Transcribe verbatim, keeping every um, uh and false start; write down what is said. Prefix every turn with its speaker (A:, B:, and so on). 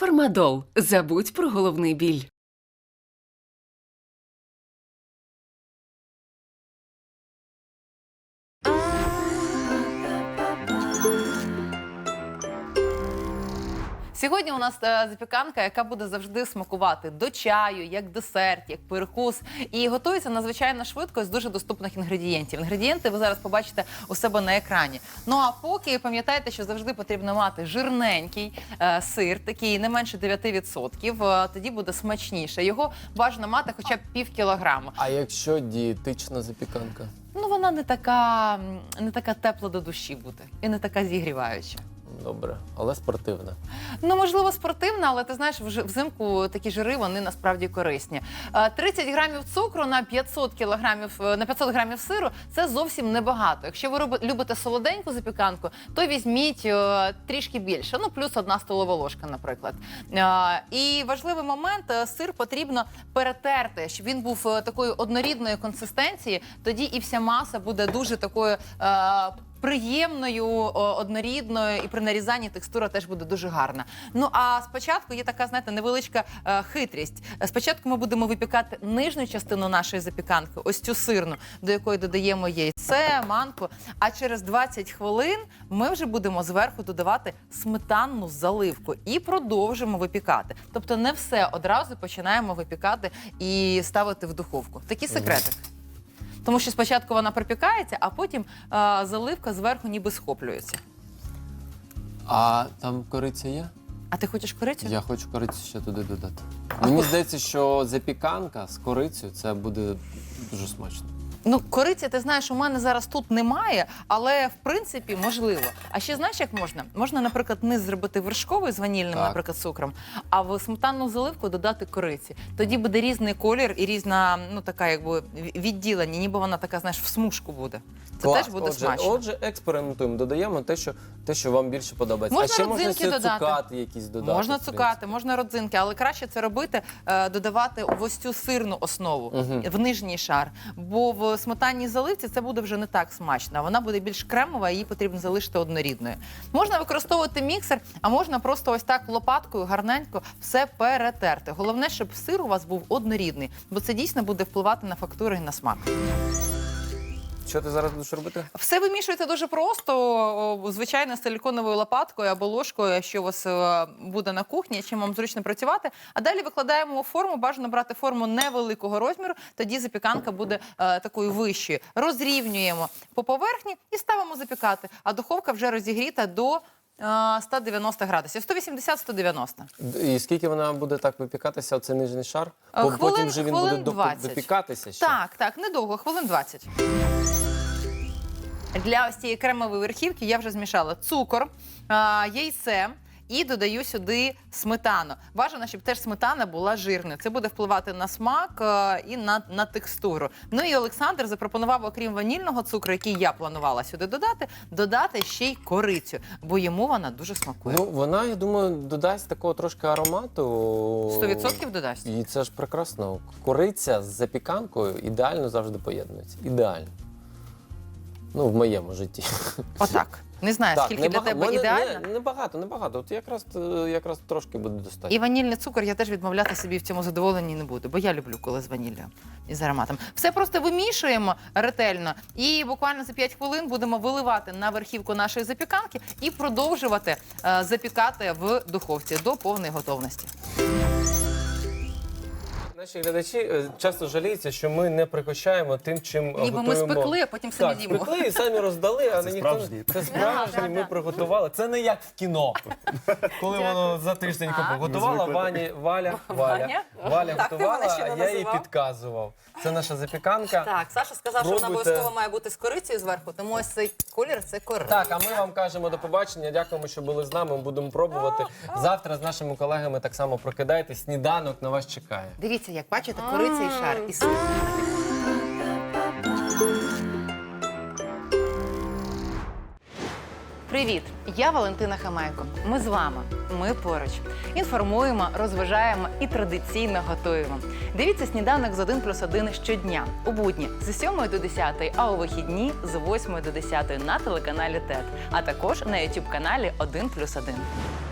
A: Фармадол. Забудь про головний біль.
B: Сьогодні у нас е, запіканка, яка буде завжди смакувати до чаю, як десерт, як перекус. І готується надзвичайно швидко з дуже доступних інгредієнтів. Інгредієнти ви зараз побачите у себе на екрані. Ну а поки пам'ятайте, що завжди потрібно мати жирненький е, сир, такий не менше дев'яти відсотків, е, тоді буде смачніше. Його бажано мати хоча б пів кілограма.
C: А якщо дієтична запіканка?
B: Ну вона не така, не така тепла до душі буде і не така зігріваюча.
C: Добре, але спортивна.
B: Ну, можливо, спортивна, але ти знаєш, взимку такі жири, вони насправді корисні. тридцять грамів цукру на п'ятсот кілограмів, на п'ятсот грамів сиру – це зовсім небагато. Якщо ви любите солоденьку запіканку, то візьміть трішки більше, ну, плюс одна столова ложка, наприклад. І важливий момент – сир потрібно перетерти, щоб він був такої однорідної консистенції, тоді і вся маса буде дуже такою приємною, однорідною, і при нарізанні текстура теж буде дуже гарна. Ну, а спочатку є така, знаєте, невеличка е, хитрість. Спочатку ми будемо випікати нижню частину нашої запіканки, ось цю сирну, до якої додаємо яйце, манку, а через двадцять хвилин ми вже будемо зверху додавати сметанну заливку і продовжимо випікати. Тобто не все одразу починаємо випікати і ставити в духовку. Такий секретик. Тому що спочатку вона пропікається, а потім а, заливка зверху ніби схоплюється.
C: А там кориця є?
B: А ти хочеш корицю?
C: Я хочу корицю ще туди додати. Мені здається, що запіканка з корицею – це буде дуже смачно.
B: Ну, кориці, ти знаєш, у мене зараз тут немає, але, в принципі, можливо. А ще знаєш, як можна? Можна, наприклад, низ зробити вершковий з ванільним,
C: так.
B: наприклад, цукром, а в сметанну заливку додати кориці. Тоді буде різний колір і різна, ну, така, якби, відділення, ніби вона така, знаєш, в смужку буде. Це
C: Клас.
B: теж буде
C: отже,
B: смачно.
C: Отже, експериментуємо, додаємо те, що, те, що вам більше подобається.
B: Можна
C: а ще
B: родзинки
C: можна
B: додати.
C: цукати якісь додати.
B: Можна цукати, можна родзинки, але краще це робити, е, додавати в ось цю сирну основу,
C: Угу.
B: в нижній шар. Бо в сметанній заливці це буде вже не так смачно. Вона буде більш кремова, її потрібно залишити однорідною. Можна використовувати міксер, а можна просто ось так лопаткою гарненько все перетерти. Головне, щоб сир у вас був однорідний, бо це дійсно буде впливати на фактуру і на смак.
C: Що ти зараз будеш робити?
B: Все вимішується дуже просто, звичайно, силіконовою лопаткою або ложкою, що у вас буде на кухні, чим вам зручно працювати. А далі викладаємо у форму, бажано брати форму невеликого розміру, тоді запіканка буде е, такою вищою. Розрівнюємо по поверхні і ставимо запікати, а духовка вже розігріта до сто дев'яносто градусів, сто вісімдесят - сто дев'яносто.
C: І скільки вона буде так випікатися, оцей нижній шар? Бо
B: Хвилин,
C: потім вже він буде
B: двадцять.
C: допікатися ще?
B: Так, так, недовго, хвилин двадцять. Для ось цієї кремової верхівки я вже змішала цукор, яйце і додаю сюди сметану. Бажано, щоб теж сметана була жирною. Це буде впливати на смак і на, на текстуру. Ну і Олександр запропонував, окрім ванільного цукру, який я планувала сюди додати, додати ще й корицю, бо йому вона дуже смакує.
C: Ну, вона, я думаю, додасть такого трошки аромату.
B: сто відсотків додасть.
C: І це ж прекрасно. Кориця з запіканкою ідеально завжди поєднується. Ідеально. Ну, в моєму житті.
B: Отак. Не знаю,
C: Так,
B: скільки для
C: небага-
B: тебе
C: мене-
B: ідеально.
C: Не, небагато, небагато. От якраз, е, якраз трошки буде достатньо.
B: І ванільний цукор я теж відмовляти собі в цьому задоволенні не буду, бо я люблю, коли з ваніллю і з ароматом. Все просто вимішуємо ретельно і буквально за п'ять хвилин будемо виливати на верхівку нашої запіканки і продовжувати е, запікати в духовці до повної готовності.
C: Наші глядачі е, часто жаліються, що ми не пригощаємо тим, чим
B: Ніби ми
C: готуємо.
B: спекли, а потім самі
C: Так,
B: з'їмо.
C: спекли і самі роздали, а
D: Це
C: ніхто...
D: справжні.
C: Це справжні,
B: Да,
C: ми
B: да, да.
C: приготували. Це не як в кіно. Коли воно за тиждень
B: А.
C: готувала,
D: Ми звикли.
C: Ваня, Валя, Валя,
B: Ваня?
C: Валя
E: Так, ти
C: готувала,
E: мене ще
C: а
E: не
C: я їй
E: називав.
C: підказував. Це наша запіканка.
E: Так, Саша сказав, що вона
C: Пробуйте.
E: обов'язково має бути з корицею зверху, тому ось цей колір – це кориця.
C: Так, а ми вам кажемо до побачення. Дякуємо, що були з нами. Будемо пробувати. Завтра з нашими колегами так само прокидайтесь. Сніданок на вас чекає.
B: Дивіться, як бачите, кориця і шар, і сир. Привіт! Я Валентина Хамайко. Ми з вами. Ми поруч. Інформуємо, розважаємо і традиційно готуємо. Дивіться «Сніданок з один плюс один» щодня. У будні з сьомої до десятої, а у вихідні з восьмої до десятої на телеканалі ТЕТ. А також на ютуб-каналі один плюс один.